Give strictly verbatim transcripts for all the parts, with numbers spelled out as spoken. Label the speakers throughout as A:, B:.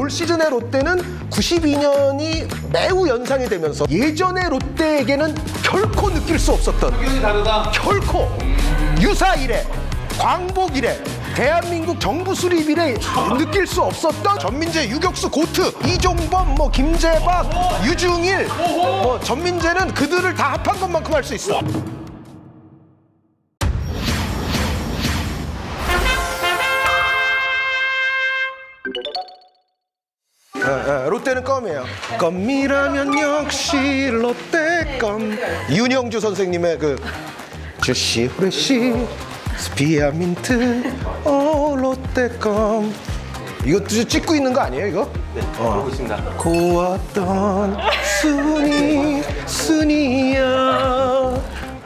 A: 올 시즌의 롯데는 구십이 년이 매우 연상이 되면서 예전의 롯데에게는 결코 느낄 수 없었던
B: 기운이 다르다.
A: 결코 유사 이래 광복 이래 대한민국 정부 수립 이래 느낄 수 없었던 전민재 유격수 고트 이종범 뭐 김재박 유중일 뭐 전민재는 그들을 다 합한 것만큼 할 수 있어. 아, 아, 롯데는 껌이에요. 껌이라면 역시 롯데 껌. 윤영주 선생님의 그 주시 후레시 스피아민트 오 롯데 껌. 이것도 찍고 있는 거 아니에요 이거?
B: 네, 보고 있습니다.
A: 고왔던 순이 순이야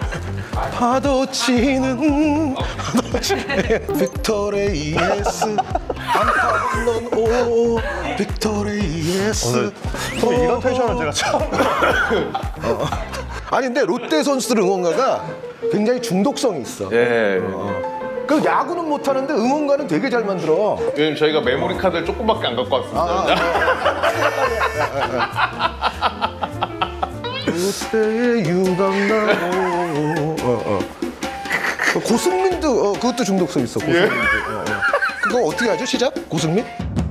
A: 파도치는 파도치는 빅토레이에스 안타는 오 빅토레이에스
C: 오늘 이런 텐션은 제가 처음.
A: 어. 아니 근데 롯데 선수들 응원가가 굉장히 중독성이 있어.
B: 예.
A: 그 야구는 못하는데 응원가는 되게 잘 만들어.
B: 요즘 저희가 메모리 카드를 조금밖에 안 갖고 왔습니다.
A: 롯데의 유강나무. 어, 어. 고승민도 어, 그것도 중독성 있어. 고승민도. 어, 어. 그거 어떻게 하죠? 시작? 고승민?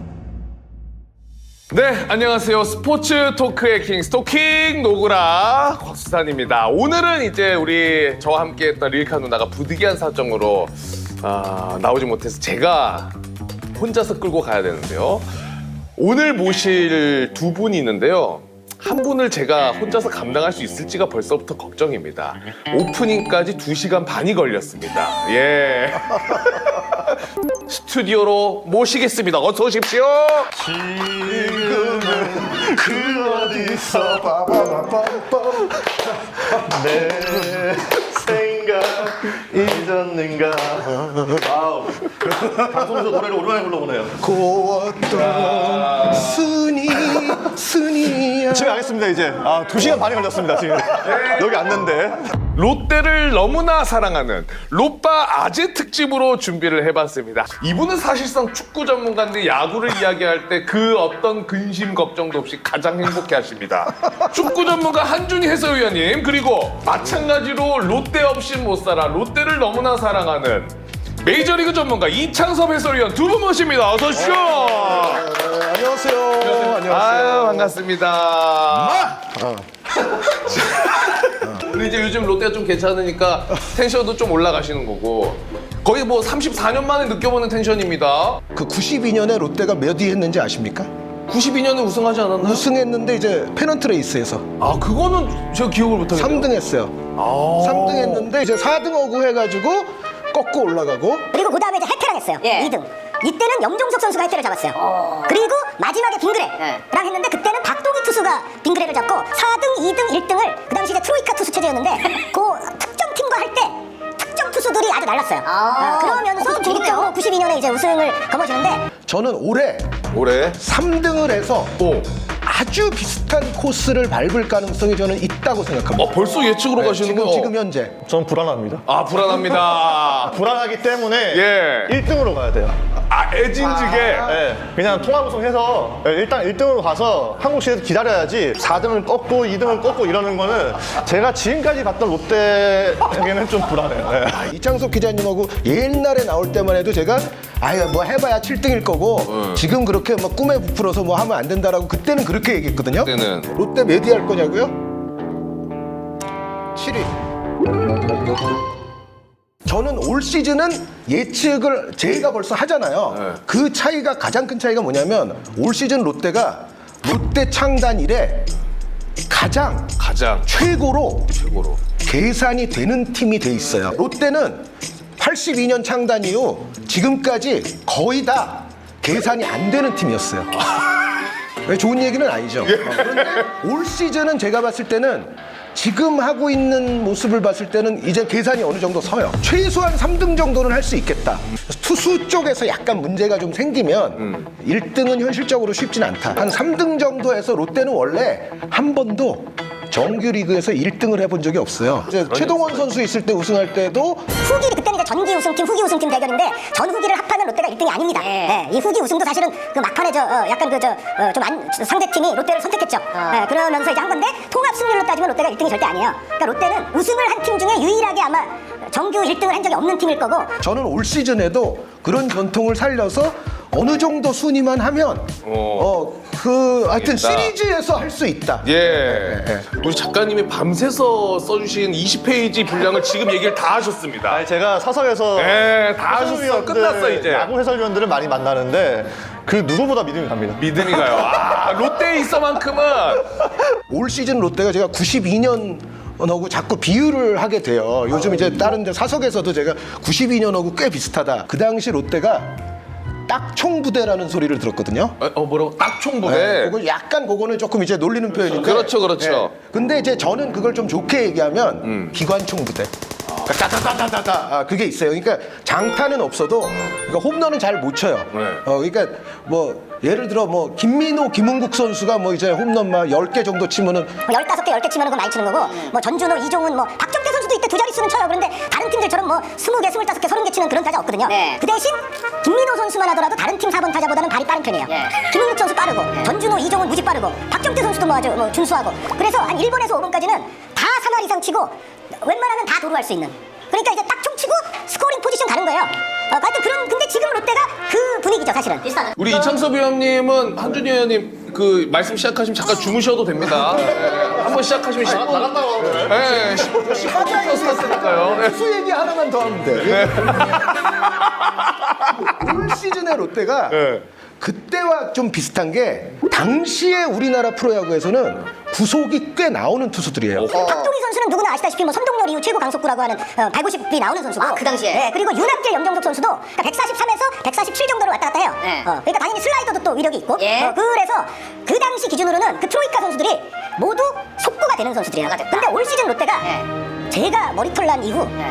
B: 네, 안녕하세요. 스포츠 토크의 킹 스토킹 노구라 곽수산입니다. 오늘은 이제 우리 저와 함께했던 릴카 누나가 부득이한 사정으로 아, 나오지 못해서 제가 혼자서 끌고 가야 되는데요. 오늘 모실 두 분이 있는데요. 한 분을 제가 혼자서 감당할 수 있을지가 벌써부터 걱정입니다. 오프닝까지 두 시간 반이 걸렸습니다. 예. 스튜디오로 모시겠습니다. 어서 오십시오.
C: 지금은 그 어디서 빠바바바바 내 생각 잊었는가. 아우, 방송에서 노래를 오랜만에 불러보네요.
A: 고웠던 순이 순이야.
C: 집에 가겠습니다 이제. 아, 두 시간 반이 걸렸습니다 지금. 여기 왔는데.
B: 롯데를 너무나 사랑하는 롯바 아재 특집으로 준비를 해봤습니다. 이분은 사실상 축구 전문가인데 야구를 이야기할 때 그 어떤 근심 걱정도 없이 가장 행복해 하십니다. 축구 전문가 한준희 해설위원님, 그리고 마찬가지로 롯데 없인 못 살아 롯데를 너무나 사랑하는 메이저리그 전문가 이창섭 해설위원 두 분 모십니다. 어서 오십시오.
A: 네, 안녕하세요. 안녕하세요.
B: 아유, 반갑습니다. 근데 이제 요즘 롯데가 좀 괜찮으니까 텐션도 좀 올라가시는 거고, 거의 뭐 삼십사 년 만에 느껴보는 텐션입니다.
A: 그 구십이 년에 롯데가 몇 위 했는지 아십니까?
B: 구십이 년에 우승하지 않았나요?
A: 우승했는데 이제 페넌트 레이스에서
B: 아, 그거는 제가 기억을 못하겠네요.
A: 삼 등 했어요.
B: 아~
A: 삼 등 했는데 이제 사 등 어구 해가지고 꺾고 올라가고.
D: 그리고 그 다음에 이제 해태랑 했어요.
E: 예.
D: 이 등. 이때는 영종석 선수가 해태를 잡았어요.
E: 어.
D: 그리고 마지막에 빙그레랑
E: 예.
D: 했는데 그때는 박동희 투수가 빙그레를 잡고 사 등, 이 등, 일 등을 그 당시 이제 트로이카 투수 체제였는데 그 특정 팀과 할 때 특정 투수들이 아주 날랐어요.
E: 아.
D: 어, 그러면서 중립적으로 구십이 년에 이제 우승을 거머쥐는데
A: 저는 올해
B: 올해
A: 삼 등을 해서
B: 오.
A: 아주 비슷한 코스를 밟을 가능성이 저는 있다고 생각합니다.
B: 어, 벌써 예측으로
A: 네,
B: 가시는
A: 지금,
B: 거예요?
A: 지금 현재.
C: 전 불안합니다.
B: 아, 불안합니다.
C: 불안하기 때문에
B: 예.
C: 일 등으로 가야 돼요.
B: 아, 애진지게.
C: 네, 그냥 통합 우승해서 일단 일 등으로 가서 한국 시리즈 기다려야지 사 등을 꺾고 이 등을 꺾고 이러는 거는 제가 지금까지 봤던 롯데에게는 좀 불안해요. 네.
A: 이창섭 기자님하고 옛날에 나올 때만 해도 제가 아유 뭐 해봐야 칠 등일 거고
B: 음.
A: 지금 그렇게 뭐 꿈에 부풀어서 뭐 하면 안 된다라고 그때는 그렇게 얘기했거든요.
B: 그때는.
A: 롯데 몇 위 할 거냐고요? 칠 위. 저는 올 시즌은 예측을 제가 벌써 하잖아요.
B: 네.
A: 그 차이가 가장 큰 차이가 뭐냐면 올 시즌 롯데가 롯데 창단 이래 가장
B: 가장
A: 최고로
B: 최고로.
A: 계산이 되는 팀이 돼 있어요. 롯데는 팔십이 년 창단 이후 지금까지 거의 다 계산이 안 되는 팀이었어요. 왜 좋은 얘기는 아니죠. 어, 그런데 올 시즌은 제가 봤을 때는 지금 하고 있는 모습을 봤을 때는 이제 계산이 어느 정도 서요. 최소한 삼 등 정도는 할 수 있겠다. 투수 쪽에서 약간 문제가 좀 생기면
B: 음.
A: 일 등은 현실적으로 쉽진 않다. 한 삼 등 정도 해서 롯데는 원래 한 번도 정규 리그에서 일 등을 해본 적이 없어요. 이제 최동원 선수 있을 때 우승할 때도
D: 후기 그때는 이제 전기 우승팀, 후기 우승팀 대결인데 전 후기를 합하면 롯데가 일 등이 아닙니다. 예, 이 후기 우승도 사실은 그 막판에 저 어, 약간 그 저 좀 안 상대 팀이 롯데를 선택했죠. 예, 그러면서 이제 한 건데 통합 승률로 따지면 롯데가 일 등이 절대 아니에요. 그러니까 롯데는 우승을 한 팀 중에 유일하게 아마 정규 일 등을 한 적이 없는 팀일 거고.
A: 저는 올 시즌에도 그런 전통을 살려서 어느 정도 순위만 하면 어 그 하여튼
B: 있다.
A: 시리즈에서 할 수 있다.
B: 예. 우리 작가님이 밤새서 써주신 이십 페이지 분량을 지금 얘기를 다 하셨습니다.
C: 아니 제가 사석에서
B: 예, 다 하셨어.
C: 해설위원들,
B: 끝났어, 이제.
C: 야구 해설위원들을 많이 만나는데 그 누구보다 믿음이 갑니다.
B: 믿음이 가요. 아, 롯데에 있어만큼은
A: 올 시즌 롯데가 제가 구십이 년 하고 자꾸 비유를 하게 돼요. 요즘 이제 다른 데 사석에서도 제가 구십이 년하고 꽤 비슷하다. 그 당시 롯데가 딱총부대라는 소리를 들었거든요.
B: 어, 어, 뭐라고? 딱총부대.
A: 네, 그거 약간 그거는 조금 이제 놀리는 표현인데.
B: 그렇죠, 그렇죠.
A: 네. 근데 이제 저는 그걸 좀 좋게 얘기하면
B: 음.
A: 기관총부대. 그러니까 따다다다다다 아, 그게 있어요. 그러니까 장타는 없어도 그러니까 홈런은 잘 못 쳐요.
B: 네.
A: 어, 그러니까 뭐 예를 들어 뭐 김민호, 김은국 선수가 뭐 이제 홈런 막 열 개 정도 치면은
D: 뭐 열다섯 개, 열 개 치면 그거 많이 치는 거고, 뭐 전준호, 이종훈, 뭐 박정태 선수도 이때 두 자릿수는 쳐요. 그런데 다른 팀들처럼 뭐 스무 개, 스물다섯 개, 서른 개 치는 그런 타자 없거든요. 그 대신 김민호 선수만 하더라도 다른 팀 사 번 타자보다는 발이 빠른 편이에요. 김은국 선수 빠르고, 전준호, 이종훈 무지 빠르고, 박정태 선수도 뭐 아주 뭐 준수하고. 그래서 한 일 번에서 오 번까지는 다 삼 할 이상 치고 웬만하면 다 도루할 수 있는. 그러니까 이제 딱 총 치고 스코링 포지션 가는 거예요. 어, 하여튼 그런, 근데 지금 롯데가 그 분위기죠, 사실은. 비슷한.
B: 우리 이창섭 위원님은 한준희 의원님 그 말씀 시작하시면 잠깐 주무셔도 됩니다. 네, 한번 시작하시면 십 분.
C: 나간다고 하네.
B: 네, 십 분 플러스 했으니까요. 네.
A: 투수 얘기 하나만 더 하면 돼. 올 시즌의 롯데가
B: 네.
A: 그때와 좀 비슷한 게 당시에 우리나라 프로야구에서는 구속이 꽤 나오는 투수들이에요.
D: 박동희 선수는 누구나 아시다시피 뭐 선동열 이후 최고 강속구라고 하는 어, 백오십이 나오는 선수고. 아, 그 당시에. 네, 그리고 윤학길, 염정석 선수도 그러니까 백사십삼에서 백사십칠 정도로 왔다 갔다 해요.
E: 네.
D: 어, 그러니까 당연히 슬라이더도 또 위력이 있고.
E: 예.
D: 어, 그래서 그 당시 기준으로는 그 트로이카 선수들이 모두 속구가 되는 선수들이에요. 근데 올 시즌 롯데가
E: 네.
D: 제가 머리털 난 이후
E: 네.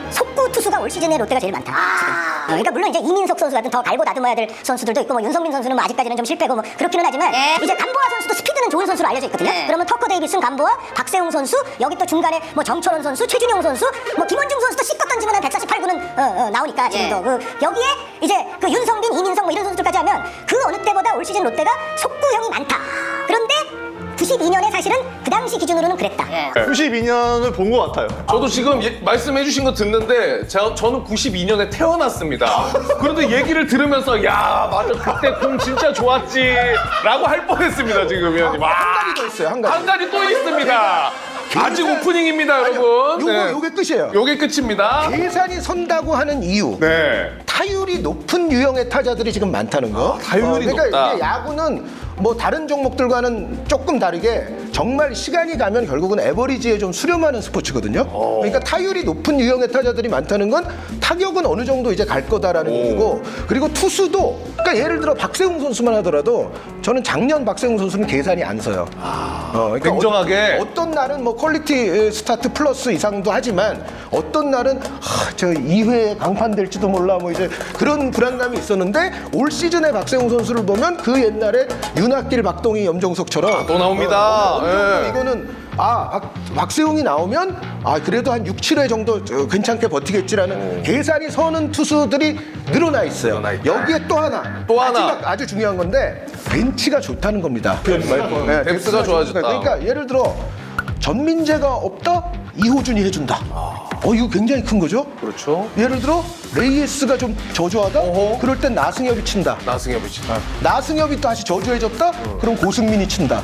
D: 속구 투수가 올 시즌에 롯데가 제일 많다. 지금. 어, 그러니까 물론 이제 이민석 선수 같은 더 갈고 다듬어야 될 선수들도 있고, 뭐 윤성민 선수는 뭐 아직까지는 좀 실패고 뭐 그렇기는 하지만
E: 예.
D: 이제 간보아 선수도 스피드는 좋은 선수로 알려져 있거든요.
E: 예.
D: 그러면 터커 데이비슨, 간보아, 박세웅 선수, 여기 또 중간에 뭐 정철원 선수, 최준용 선수, 뭐 김원중 선수도 씻고 던지면 한 백사십팔 구는 어, 어, 나오니까 지금도
E: 예.
D: 그 여기에 이제 그 윤성빈, 이민석 뭐 이런 선수들까지 하면 그 어느 때보다 올 시즌 롯데가 속구형이 많다. 그런데 구십이 년에 사실은 그 당시 기준으로는 그랬다.
E: 예.
C: 구십이 년을 본 것 같아요.
B: 저도 지금 예- 말씀해주신 거 듣는데 제가, 저는 구십이 년에 태어났습니다. 그런데 얘기를 들으면서 야 맞아 그때 공 진짜 좋았지 라고 할 뻔했습니다 지금 위원님.
A: 한 가지 더 있어요. 한 가지.
B: 한 가지 또 있습니다. 아직
A: 계산-
B: 오프닝입니다 여러분.
A: 요거
B: 네.
A: 요게 끝이에요.
B: 요게 끝입니다.
A: 계산이 선다고 하는 이유.
B: 네.
A: 타율이 높은 유형의 타자들이 지금 많다는 거.
B: 타율이
A: 그러니까
B: 높다.
A: 이게 야구는 뭐 다른 종목들과는 조금 다르게 정말 시간이 가면 결국은 에버리지에 좀 수렴하는 스포츠거든요. 그러니까 타율이 높은 유형의 타자들이 많다는 건 타격은 어느 정도 이제 갈 거다라는 얘기고, 그리고 투수도 그러니까 예를 들어 박세웅 선수만 하더라도 저는 작년 박세웅 선수는 계산이 안 서요. 어, 그러니까
B: 냉정하게.
A: 어, 어떤 날은 뭐 퀄리티 스타트 플러스 이상도 하지만 어떤 날은 하, 저 이 회에 강판될지도 몰라 뭐 이제 그런 불안감이 있었는데 올 시즌의 박세웅 선수를 보면 그 옛날에 윤학길, 박동희, 염정석처럼
B: 또 나옵니다.
A: 어, 어느 정도
B: 예.
A: 이거는 아 박, 박세웅이 나오면 아 그래도 한 육, 칠 회 정도 저, 괜찮게 버티겠지라는 계산이 서는 투수들이 늘어나 있어요.
B: 늘어나 있다.
A: 여기에 또 하나
B: 또 하나.
A: 마지막 아주 중요한 건데 벤치가 좋다는 겁니다. 네,
B: 벤치가 좋아졌다.
A: 그러니까 예를 들어 전민재가 없다? 이호준이 해준다. 어 이거 굉장히 큰 거죠?
B: 그렇죠.
A: 예를 들어 레이에스가 좀 저조하다?
B: 어허.
A: 그럴 땐 나승엽이 친다.
B: 나승엽이 치.
A: 나승엽이 다시 저조해졌다? 그럼 고승민이 친다.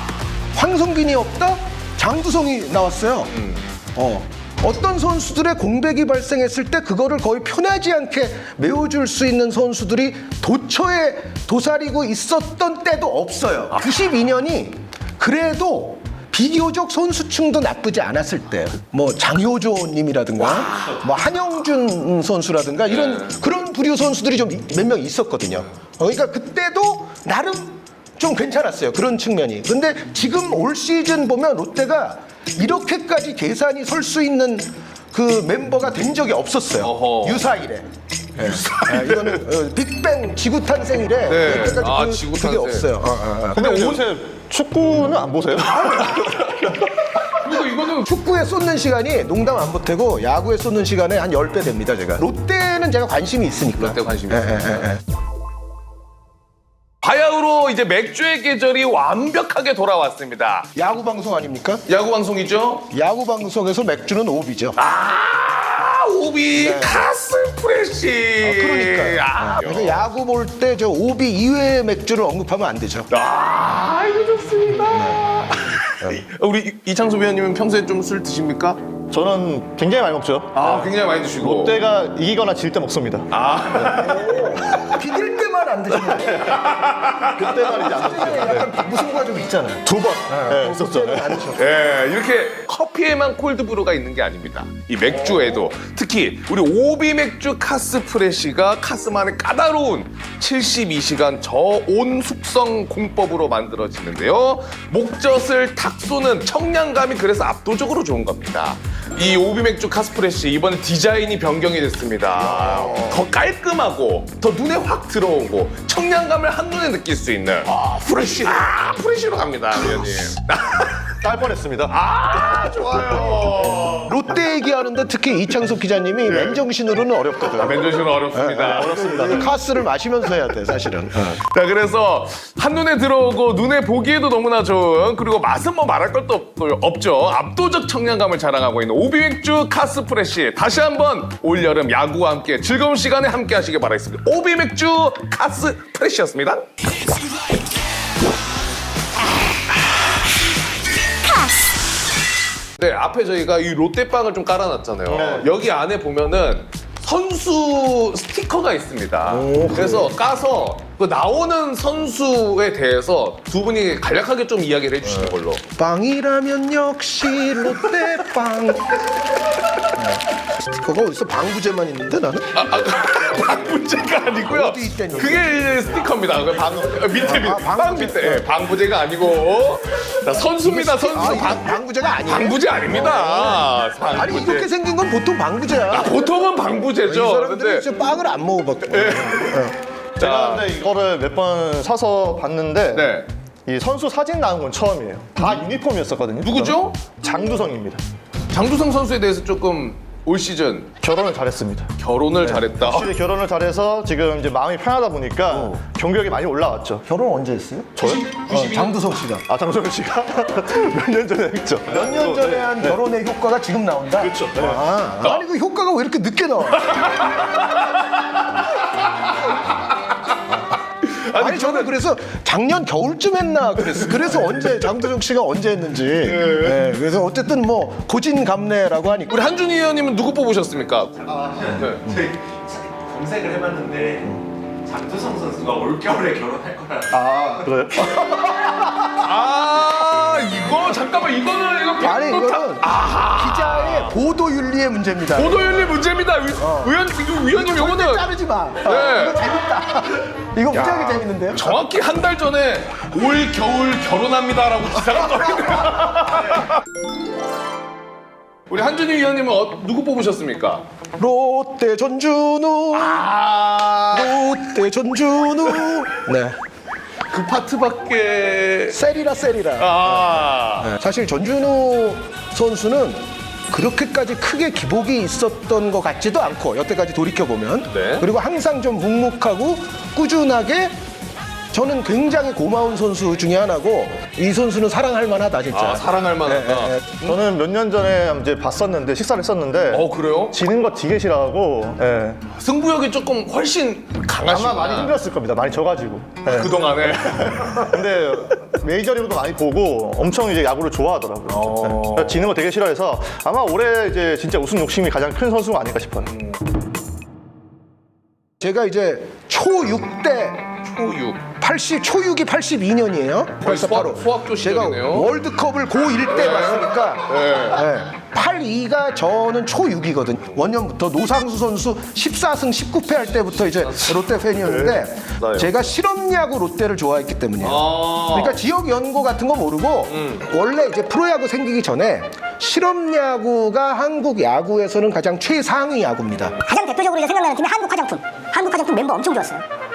A: 황성균이 없다? 장두성이 나왔어요. 어. 어떤 선수들의 공백이 발생했을 때 그거를 거의 편하지 않게 메워줄 수 있는 선수들이 도처에 도사리고 있었던 때도 없어요. 구십이 년이 그래도 비교적 선수층도 나쁘지 않았을 때, 뭐 장효조님이라든가, 뭐 한영준 선수라든가 이런 그런 부류 선수들이 좀 몇 명 있었거든요. 어, 그러니까 그때도 나름 좀 괜찮았어요. 그런 측면이. 근데 지금 올 시즌 보면 롯데가 이렇게까지 계산이 설 수 있는 그 멤버가 된 적이 없었어요.
B: 어허.
A: 유사일에. 아, 이거는 어, 빅뱅 지구 탄생 이래
B: 네.
A: 여태까지
B: 아,
A: 그,
B: 지구
A: 그게
B: 탄생.
A: 없어요. 어, 어, 어.
C: 근데 요새 축구는 안 보세요?
B: 그리고 이거는
A: 축구에 쏟는 시간이 농담 안 보태고 야구에 쏟는 시간에 한 십 배 됩니다, 제가. 롯데는 제가 관심이 있으니까.
B: 롯데 관심이
A: 예,
B: 있어요.
A: 예, 예, 예.
B: 바야흐로 이제 맥주의 계절이 완벽하게 돌아왔습니다.
A: 야구 방송 아닙니까?
B: 야구 방송이죠?
A: 야구 방송에서 맥주는 오비죠.
B: 아, 오비 카스 프레시.
A: 그러니까요.
B: 아,
A: 그래서 야구 볼 때 저 오비 이외의 맥주를 언급하면 안 되죠.
B: 아, 이거 좋습니다. 우리 이- 이창섭 위원님은 평소에 좀 술 드십니까?
C: 저는 굉장히 많이 먹죠.
B: 아, 굉장히 많이 드시고.
C: 롯데가 이기거나 질 때 먹습니다.
A: 비길 때만 안 드시면 돼요.
C: 그때만 이제 안 드시죠.
A: 약간 무승부가 좀 있잖아요.
C: 두 번. 네, 있었죠.
A: 그때는 안 드셔.
B: 예, 이렇게 커피에만 콜드브루가 있는 게 아닙니다. 이 맥주에도 특히 우리 오비 맥주 카스 프레시가 카스만의 까다로운 칠십이 시간 저온 숙성 공법으로 만들어지는데요. 목젖을 탁 쏘는 청량감이 그래서 압도적으로 좋은 겁니다. 이 오비 맥주 카스 프레시 이번에 디자인이 변경이 됐습니다. 더 깔끔하고 더 눈에 확 들어오고 청량감을 한눈에 느낄 수 있는 아, 프레시. 아, 프레시로 갑니다, 위원님.
C: 딸 뻔했습니다.
B: 아, 좋아요.
A: 롯데 얘기하는데 특히 이창섭 기자님이 맨정신으로는 어렵거든요.
B: 맨조시는 어렵습니다.
A: 어렵습니다. 카스를 마시면서 해야 돼, 사실은.
B: 자, 그래서 한눈에 들어오고 눈에 보기에도 너무나 좋은 그리고 맛은 뭐 말할 것도 없- 없죠. 압도적 청량감을 자랑하고 있는 오비 맥주 카스 프레시. 다시 한번 올여름 야구와 함께 즐거운 시간에 함께 하시길 바라겠습니다. 오비 맥주 카스 프레시였습니다. 네, 앞에 저희가 이 롯데빵을 좀 깔아놨잖아요.
C: 네.
B: 여기 안에 보면은 선수 스티커가 있습니다. 그래서 까서 그 나오는 선수에 대해서 두 분이 간략하게 좀 이야기를 해주시는 걸로.
A: 빵이라면 역시 롯데빵. 네. 스티커가 어디서 방부제만 있는데 나는?
B: 아, 아, 방부제가 아니고요.
A: 어디 있다니?
B: 그게 이제 스티커입니다. 그 방, 밑에, 밑에.
A: 아,
B: 빵
A: 방부제.
B: 밑에. 예, 방부제가 아니고. 자, 선수입니다, 선수.
A: 아,
B: 방,
A: 방, 방부제가 아니에요?
B: 방부제 아닙니다.
A: 아니
B: 방부제.
A: 이렇게 생긴 건 보통 방부제야.
B: 보통은
A: 이
B: 방부제죠.
A: 사람들은
B: 근데
A: 진짜 빵을 안 먹어봤고.
C: 제가 근데 이거를 몇 번 사서 봤는데
B: 네.
C: 이 선수 사진 나온 건 처음이에요. 다 유니폼이었었거든요.
B: 누구죠?
C: 장두성입니다.
B: 장두성 선수에 대해서 조금 올 시즌
C: 결혼을 잘했습니다.
B: 결혼을 잘했다.
C: 확실히 결혼을 잘해서 지금 이제 마음이 편하다 보니까 경력이 많이 올라왔죠.
A: 결혼 언제 했어요?
C: 저요?
A: 어, 장두성 씨가.
C: 아 장성현 씨가 몇 년 전에 했죠.
A: 몇 년 전에 한 결혼의 효과가 지금 나온다?
C: 그렇죠. 네.
A: 아, 아니 그 효과가 왜 이렇게 늦게 나와? 아니, 저는 그래서 작년 겨울쯤 했나 그랬어. 그래서 언제 장도정 씨가 언제 했는지. 네, 그래서 어쨌든 뭐 고진감래라고 하니까.
B: 우리 한준희 의원님은 누구 뽑으셨습니까?
E: 저희 검색을 해봤는데 장두성 선수가 올겨울에 결혼할 거라.
C: 아 그래요?
B: 아, 이거 잠깐만 이거는 이거
A: 아니 이거는 기자의 보도 윤리의 문제입니다.
B: 보도윤리 문제입니다. 위, 의원 이거 위원님
A: 절대
B: 이거는
A: 자르지 마.
B: 네.
A: 이거 재밌다. 이거 무지하게 재밌는데요?
B: 정확히 한 달 전에 올 겨울 결혼합니다라고 기사가 떠있네요. 우리 한준희 위원님은 어, 누구 뽑으셨습니까?
A: 롯데 전준우.
B: 아,
A: 롯데 전준우. 네.
B: 그 파트밖에.
A: 셀이라 셀이라.
B: 아,
A: 네, 사실 전준우 선수는 그렇게까지 크게 기복이 있었던 것 같지도 않고 여태까지 돌이켜보면
B: 네.
A: 그리고 항상 좀 묵묵하고 꾸준하게 저는 굉장히 고마운 선수 중에 하나고 이 선수는 사랑할 만하다 진짜.
B: 아, 사랑할 만하다.
A: 네, 네,
C: 저는 몇 년 전에 이제 봤었는데 식사를 했었는데
B: 어, 그래요?
C: 지는 거 되게 싫어하고 예.
B: 승부욕이 조금 훨씬 강하시구나.
C: 아마 많이 힘들었을 겁니다. 많이 져가지고. 예.
B: 그동안에.
C: 근데 메이저리그도 많이 보고 엄청 이제 야구를 좋아하더라고요.
B: 어.
C: 예. 지는 거 되게 싫어해서 아마 올해 이제 진짜 우승 욕심이 가장 큰 선수가 아닐까 싶어요.
A: 제가 이제 초육 때
B: 초육.
A: 팔십 초육이 팔십이 년이에요. 그래서
B: 수학-
A: 바로
B: 수학교
A: 제가
B: 시절이네요.
A: 월드컵을 고일 때 봤으니까 네. 팔십이가 저는 초육이거든요. 원년부터 노상수 선수 십사 승 십구 패 할 때부터 이제 롯데 팬이었는데
C: 나요.
A: 제가 실업야구 롯데를 좋아했기 때문이에요.
B: 아.
A: 그러니까 지역 연고 같은 거 모르고 원래 이제 프로야구 생기기 전에 실업야구가 한국 야구에서는 가장 최상위 야구입니다.
D: 가장 대표적으로 이제 생각나는 팀이 한국 화장품. 한국 화장품 멤버 엄청 좋았어요.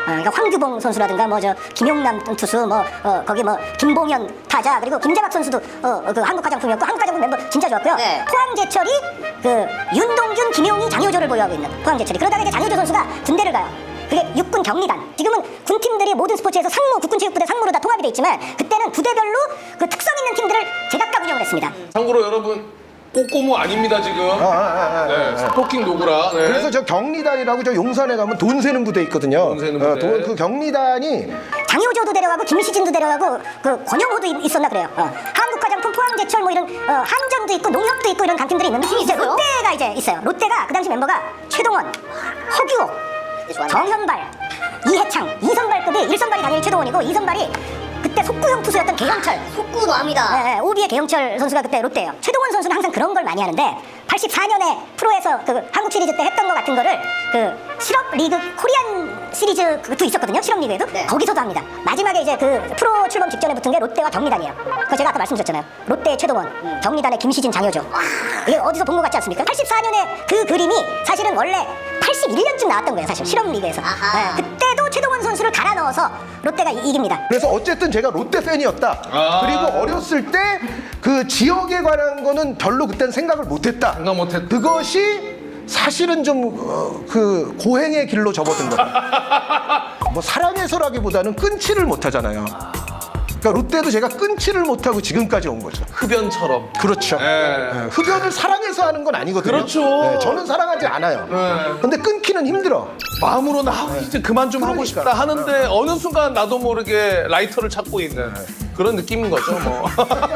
D: 그러니까 황규봉 선수라든가 뭐 저 김용남 투수 뭐 어, 거기 뭐 김봉현 타자 그리고 김재박 선수도 어, 그 한국 화장품이었고 한국 화장품 멤버 진짜 좋았고요.
F: 네.
D: 포항제철이 그 윤동준, 김용희, 장효조를 보유하고 있는 포항제철이 그러다가 이제 장효조 선수가 군대를 가요. 그게 육군 경리단. 지금은 군팀들이 모든 스포츠에서 상무, 국군체육부대 상무로 다 통합이 돼 있지만 그때는 부대별로 그 특성 있는 팀들을 제각각 운영을 했습니다.
B: 참고로 여러분 꼬꼬무 아닙니다 지금.
A: 아, 아, 아,
B: 네,
A: 아, 아.
B: 스토킹 노구라. 네.
A: 그래서 저 경리단이라고 저 용산에 가면 돈 세는 부대 있거든요.
B: 돈 세는
A: 어,
B: 부대.
A: 돈- 그 경리단이
D: 장효조도 데려가고 김시진도 데려가고 그 권영호도 있- 있었나 그래요. 어. 한국화장품, 포항제철 뭐 이런 어, 한전도 있고 농협도 있고 이런 강팀들이 있는데 이제 롯데가 이제 있어요. 롯데가 그 당시 멤버가 최동원, 허규호, 정현발, 이해창, 이선발급이 일 선발이 당연히 최동원이고 이 선발이 그때 속구형 투수였던 개영철.
F: 속구 납니다.
D: 네, 네, 오비의 개영철 선수가 그때 롯데예요. 최동원 선수는 항상 그런 걸 많이 하는데 팔십사 년에 프로에서 그 한국 시리즈 때 했던 것 같은 거를 그 실업 리그 코리안 시리즈 그것도 있었거든요. 실업 리그에도
F: 네.
D: 거기서도 합니다. 마지막에 이제 그 프로 출범 직전에 붙은 게 롯데와 경리단이에요. 그 제가 아까 말씀드렸잖아요. 롯데의 최동원, 경리단의 김시진, 장효조. 이게 어디서 본 것 같지 않습니까? 팔십사 년에 그 그림이 사실은 원래 팔십일 년쯤 나왔던 거예요. 사실 실업 리그에서.
F: 아하.
D: 네, 그때도 최동원 선수를 갈아 넣어서 롯데가 이- 이깁니다.
A: 그래서 어쨌든 제가 롯데 팬이었다.
B: 아.
A: 그리고 어렸을 때 그 지역에 관한 거는 별로 그땐 생각을 못했다.
B: 생각 못했다.
A: 그것이 사실은 좀 그 고행의 길로 접어든 거예요. 뭐 사랑해서라기보다는 끊지를 못하잖아요. 그러니까 롯데도 제가 끊지를 못하고 지금까지 온 거죠.
B: 흡연처럼.
A: 그렇죠.
B: 네.
A: 네, 흡연을 사랑해서 하는 건 아니거든요.
B: 그렇죠.
A: 네, 저는 사랑하지 않아요.
B: 네.
A: 근데 끊기는 힘들어.
B: 마음으로는 아, 이제 그만 좀 하고
A: 그러니까.
B: 싶다 하는데 어느 순간 나도 모르게 라이터를 찾고 있는 그런 느낌인 거죠 뭐.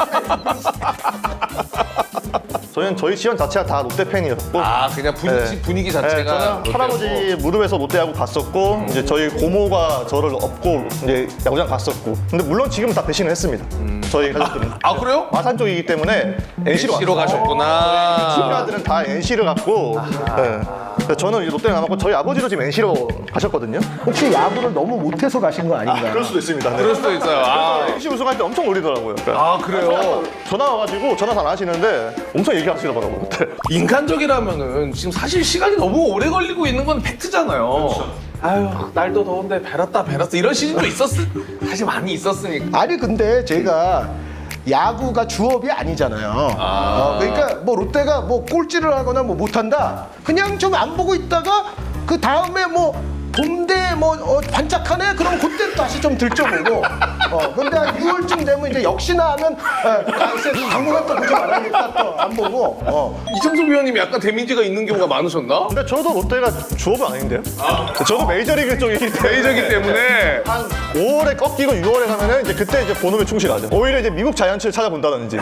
C: 저희는 저희 지원 자체가 다 롯데 팬이었고
B: 아 그냥 분위기,
C: 네.
B: 분위기
C: 네,
B: 자체가
C: 저는
B: 롯데였고.
C: 할아버지 무릎에서 롯데하고 갔었고 이제 저희 고모가 저를 업고 이제 야구장 갔었고 근데 물론 지금은 다 배신을 했습니다. 저희 가족들은
B: 아 그래요?
C: 마산 쪽이기 때문에 엔씨로
B: 엔씨로 가셨구나.
C: 친구들은 다 엔씨를 갔고 네. 그래서 저는 이제 롯데에 남았고 저희 아버지도 지금 엔씨로 가셨거든요.
A: 혹시 야구를 너무 못해서 가신 거 아닌가요?
C: 그럴 수도 있습니다. 네.
B: 그럴 수도 있어요. 아,
C: 엔씨 우승할 때 엄청 놀리더라고요.
B: 아 그래요?
C: 전화 와가지고 전화 다 안 하시는데 엄청 얘기하시더라고요. 그때.
B: 인간적이라면은 지금 사실 시간이 너무 오래 걸리고 있는 건 팩트잖아요. 아유 날도 더운데 배랐다 배랐어 이런 시즌도 있었 사실 많이 있었으니까.
A: 아니 근데 제가 야구가 주업이 아니잖아요. 어, 그러니까 뭐 롯데가 뭐 꼴찌를 하거나 뭐 못한다. 그냥 좀 안 보고 있다가 그 다음에 뭐 봄대 뭐 어, 반짝하네. 그럼 그때 다시 좀 들춰보고. 어 근데 한 유월쯤 되면 이제 역시나 하면 어, 당분간 또 보지 말아야겠다 또 안 보고. 어.
B: 이창섭 위원님이 약간 데미지가 있는 경우가 많으셨나?
C: 근데 저도 롯데가 주업은 아닌데요? 저도 메이저리그 쪽이기 때문에
B: 메이저기 때문에.
C: 한 오월에 꺾이고 유월에 가면은 이제 그때 이제 본업에 충실하죠. 오히려 이제 미국 자이언츠를 찾아본다든지. 네.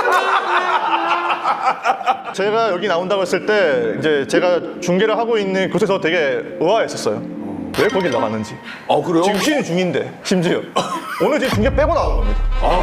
C: 제가 여기 나온다고 했을 때 이제 제가 중계를 하고 있는 곳에서 되게 의아했었어요. 왜 거길 나갔는지.
B: 아 그래요?
C: 지금 쉬는 중인데 심지어 오늘 지금 중계 빼고 나온 겁니다.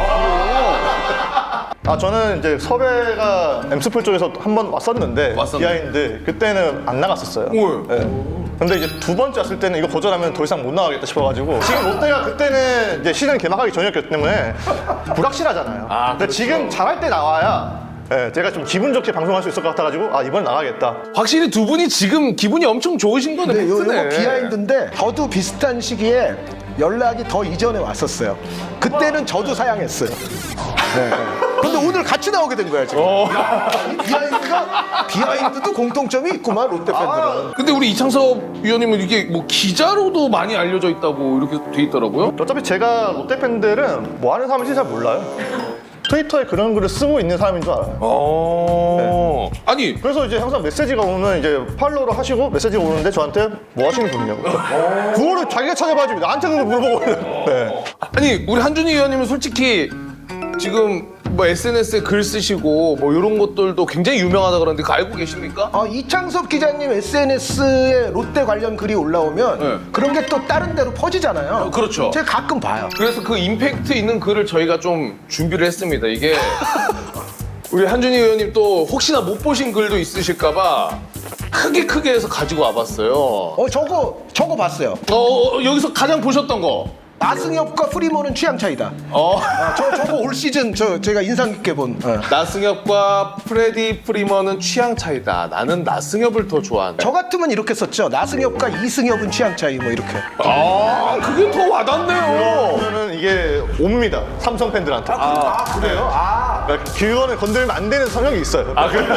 C: 아 저는 이제 섭외가 엠스풀 쪽에서 한 번 왔었는데
B: 왔었네.
C: 비하인드 그때는 안 나갔었어요.
B: 오.
C: 네. 근데 이제 두 번째 왔을 때는 이거 거절하면 더 이상 못 나가겠다 싶어가지고 지금 롯데가 그때는 이제 시즌 개막하기 전이었기 때문에 불확실하잖아요.
B: 아,
C: 근데
B: 그렇죠.
C: 지금 잘할 때 나와야 예, 제가 좀 기분 좋게 방송할 수 있을 것 같아가지고 아 이번 나가겠다.
B: 확실히 두 분이 지금 기분이 엄청 좋으신 거네.
A: 근데 요,
B: 팩트네.
A: 요거 비하인드인데 저도 비슷한 시기에 연락이 더 이전에 왔었어요. 그때는 저도 사양했어요. 네. 근데 오늘 같이 나오게 된 거야 지금. 이 비하인드가 비하인드도 공통점이 있구만 롯데 팬들은.
B: 근데 우리 이창섭 위원님은 이게 뭐 기자로도 많이 알려져 있다고 이렇게 돼 있더라고요.
C: 어차피 제가 롯데 팬들은 뭐 하는 사람인지 잘 몰라요. 트위터에 그런 글을 쓰고 있는 사람인 줄 알아요.
B: 어. 아니
C: 그래서 이제 항상 메시지가 오면 이제 팔로우를 하시고 메시지가 오는데 저한테 뭐 하시는 분이냐고. 그거를 자기가 찾아봐주고 나한테는 물어보고. 네.
B: 아니 우리 한준희 위원님은 솔직히 지금 뭐 에스엔에스에 글 쓰시고 뭐 이런 것들도 굉장히 유명하다 그러는데 그거 알고 계십니까?
A: 어, 이창섭 기자님 에스엔에스에 롯데 관련 글이 올라오면
B: 네.
A: 그런 게 또 다른 데로 퍼지잖아요.
B: 어, 그렇죠.
A: 제가 가끔 봐요.
B: 그래서 그 임팩트 있는 글을 저희가 좀 준비를 했습니다. 이게 우리 한준희 의원님 또 혹시나 못 보신 글도 있으실까봐 크게 크게 해서 가지고 와봤어요. 어,
A: 어 저거 저거 봤어요.
B: 어, 어, 여기서 가장 보셨던 거.
A: 나승엽과 프리먼은 취향 차이다.
B: 어.
A: 아, 저 저거 올 시즌 저 제가 인상 깊게 본. 어.
B: 나승엽과 프레디 프리먼은 취향 차이다. 나는 나승엽을 더 좋아한다.
A: 저 같으면 이렇게 썼죠. 나승엽과 이승엽은 취향 차이 뭐 이렇게.
B: 아, 그게 더 와닿네요.
C: 그러면은 이게 옵니다. 삼성 팬들한테.
A: 아 그래요? 아.
C: 그러니까 그거는 건들면 안 되는 성향이 있어요.
B: 아, 그래?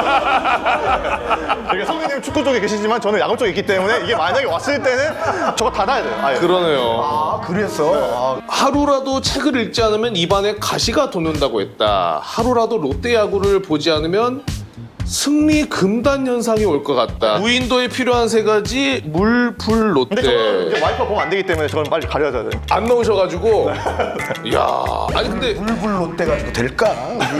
C: 이게 성민님 축구 쪽에 계시지만 저는 야구 쪽에 있기 때문에 이게 만약에 왔을 때는 저거 닫아야 돼요. 아예.
B: 그러네요.
A: 아 그래서. 아,
B: 하루라도 책을 읽지 않으면 입안에 가시가 돋는다고 했다. 하루라도 롯데 야구를 보지 않으면 승리 금단 현상이 올 것 같다. 무인도에 필요한 세 가지 물, 불,
C: 근데 저는
B: 롯데.
C: 이제 와이프가 보면 안 되기 때문에 저건 빨리 가려야 돼요.
B: 안 넣으셔가지고. 이야. 아니 근데
A: 물불 롯데 가지고 될까?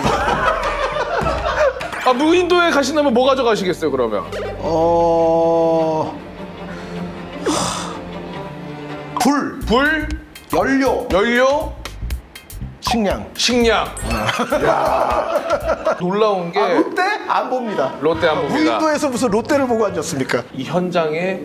B: 아, 무인도에 가신다면 뭐 가져가시겠어요 그러면?
A: 어. 불,
B: 불,
A: 연료,
B: 연료,
A: 식량.
B: 식량. 야. 놀라운 게
A: 아, 롯데 안 봅니다.
B: 롯데 안 봅니다.
A: 무인도에서 무슨 롯데를 보고 앉았습니까?
B: 이 현장에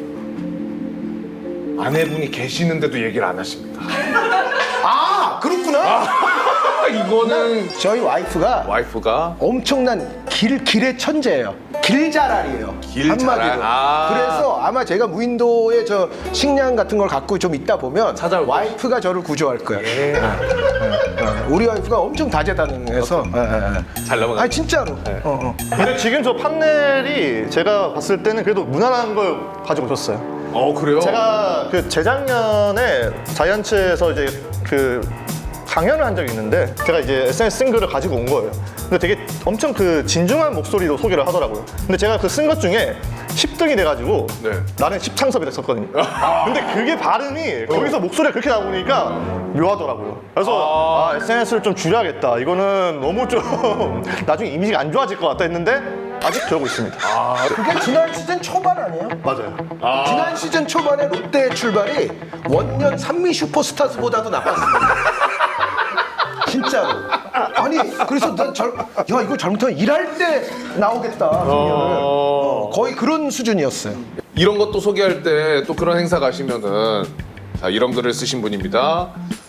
B: 아내분이 계시는데도 얘기를 안 하십니다.
A: 아 그렇구나.
B: 이거는
A: 저희 와이프가
B: 와이프가
A: 엄청난 길 길의 천재예요. 길자랄이에요.
B: 길자랄.
A: 한마디로.
B: 아.
A: 그래서 아마 제가 무인도에 저 식량 같은 걸 갖고 좀 있다 보면
B: 찾아올 거예요.
A: 와이프가 저를 구조할 거예요.
B: 예.
A: 네, 네. 우리 와이프가 엄청 다재다능해서. 네, 네, 네.
B: 잘 넘어가.
A: 아 진짜로. 어, 어.
C: 근데 지금 저 판넬이 제가 봤을 때는 그래도 무난한 걸 가지고 오셨어요.
B: 어 그래요?
C: 제가 그 재작년에 자이언츠에서 이제 그 강연을 한 적이 있는데 제가 이제 에스엔에스 쓴 글을 가지고 온 거예요. 근데 되게 엄청 그 진중한 목소리로 소개를 하더라고요. 근데 제가 그 쓴 것 중에 십 등이 돼가지고
B: 네.
C: 나는 십창섭이 됐었거든요. 근데 그게 발음이 거기서 목소리가 그렇게 나오니까 묘하더라고요. 그래서 아, 에스엔에스를 좀 줄여야겠다. 이거는 너무 좀 나중에 이미지가 안 좋아질 것 같다 했는데 아직 그러고 있습니다.
A: 그게 지난 시즌 초반 아니에요?
C: 맞아요.
A: 지난 시즌 초반에 롯데 출발이 원년 산미 슈퍼스타즈보다도 나빴습니다. 진짜로. 아니 그래서 난 잘, 야 이거 잘못하면 일할 때 나오겠다. 어... 거의 그런 수준이었어요.
B: 이런 것도 소개할 때 또 그런 행사 가시면은 자 이런 글을 쓰신 분입니다.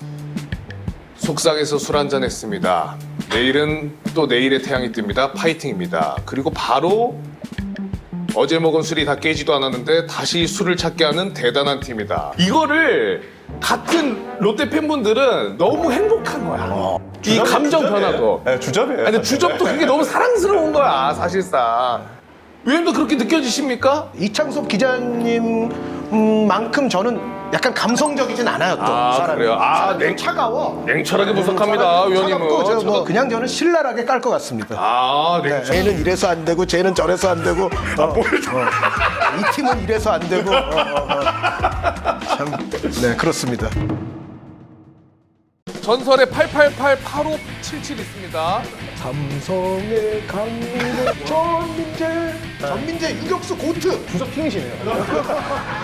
B: 속상해서 술 한잔 했습니다. 내일은 또 내일의 태양이 뜹니다. 파이팅입니다. 그리고 바로 어제 먹은 술이 다 깨지도 않았는데 다시 술을 찾게 하는 대단한 팀이다. 이거를 같은 롯데 팬분들은 너무 행복한 거야. 이 감정 변화도.
C: 네, 주접이에요.
B: 아니, 근데 주접도 그게 너무 사랑스러운 거야, 사실상. 위원님도 그렇게 느껴지십니까?
A: 이창섭 기자님만큼 저는 약간 감성적이진 않아요 또
B: 아,
A: 사람이.
B: 그래요? 아,
A: 사람이 좀
B: 냉-
A: 차가워.
B: 냉철하게 분석합니다,
A: 차갑고
B: 위원님은.
A: 저 뭐
B: 차갑-
A: 그냥 저는 신랄하게 깔 것 같습니다.
B: 아,
A: 네,
B: 냉철.
A: 쟤는 이래서 안 되고 쟤는 저래서 안 되고 어, 어. 이 팀은 이래서 안 되고 어, 어, 어. 참, 네 그렇습니다.
B: 전설의 팔팔팔 팔오칠칠 있습니다.
A: 삼성의 강민호 전민재 전민재 유격수 고트
C: 주접 킹이시네요.